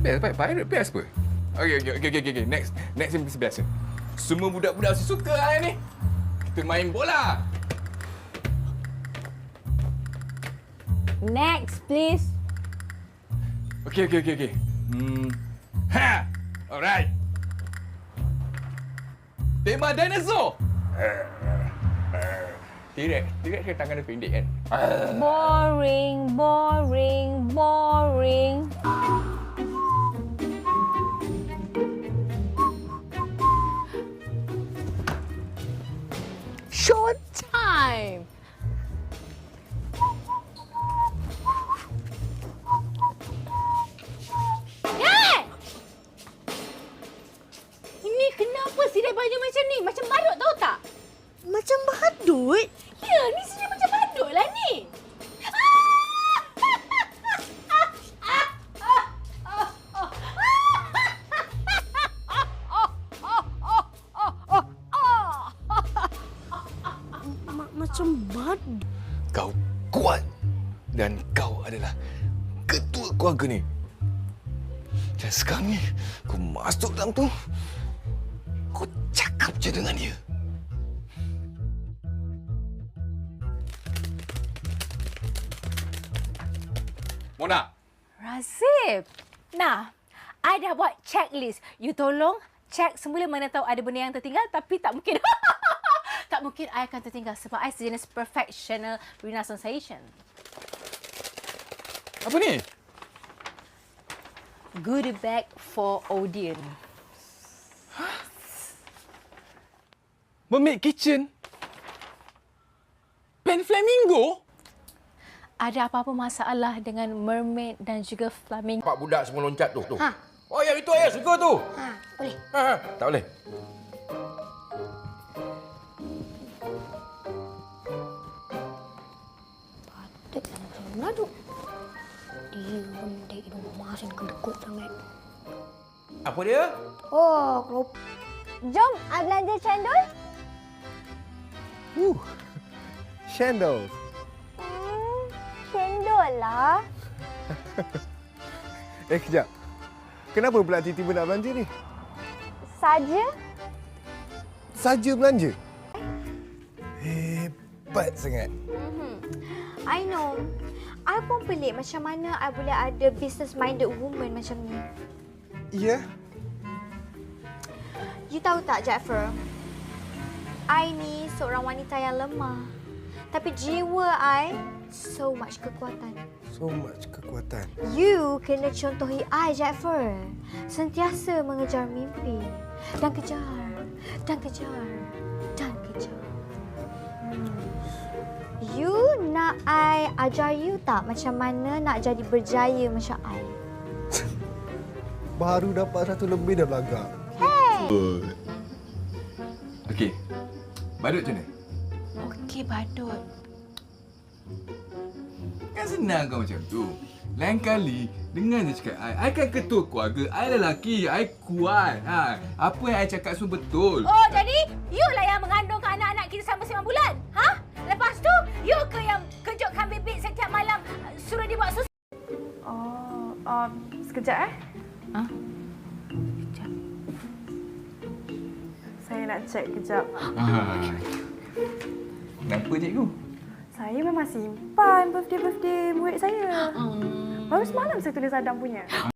best. Pirate best apa? Okey. Next yang biasa. Semua budak-budak mesti suka hari ni. Kita main bola. Next, please. Okey. Alright. Tema dinosaur. T-Rex kan tangan dia pendek kan? Boring. Showtime! Hey! Ini kenapa sidai baju macam ni? Macam badut tahu tak? Macam badut? Ya, ni sidai macam badut lah ni. Macam badut? Kau kuat dan kau adalah ketua keluarga ni. Dan sekarang ni, kau masuk dalam tu, kau cakap je dengan dia. Mona. Razif. Nah, I dah buat checklist. You tolong check semula mana tahu ada benda yang tertinggal tapi tak mungkin. Tak mungkin I akan tertinggal sebab I sejenis perfectional Rina Sensation. Apa ni? Goodie bag for audience. Mermaid Kitchen? Pen Flamingo? Ada apa-apa masalah dengan mermaid dan juga flamingo? Pak budak semua loncat tu. Ha. Oh, yang itu ayah suka tu. Boleh. Tak boleh. Badut yang macam badut. Dia benda hidung masin kedekut sangat. Apa dia? Oh, kelop. Jom, I belanja cendol. Candles. Cendol lah. Kejap. Kenapa pula tiba-tiba nak belanja ni? Saja. Saja belanja? Hebat sangat. I know. I pun pelik macam mana I boleh ada business-minded woman macam ni. Ya? You tahu tak, Jaafar? I ni seorang wanita yang lemah. Tapi jiwa I so much kekuatan. So much kekuatan. You kena contohi I, Jaafar. Sentiasa mengejar mimpi. Dan kejar. Dan kejar. Dan kejar. You nak I ajar you tak macam mana nak jadi berjaya macam I? Baru dapat 1 lebih dah belagak. Okey. Badut macam mana? Okey, badut. Kan senang kau macam tu. Lain kali, dengar je cakap I kan ketua keluarga, I lelaki, I kuat. Apa yang I cakap semua betul. Oh, jadi you lah yang mengandungkan anak-anak kita sampai 9 bulan? Ha? Lepas tu, you ke yang kejutkan bibik setiap malam suruh dia buat susu? Sekejap Ha? Sekejap. Saya nak cek kejap. Kenapa cikgu? Saya memang simpan birthday murid saya. Baru semalam saya tulis Adam punya.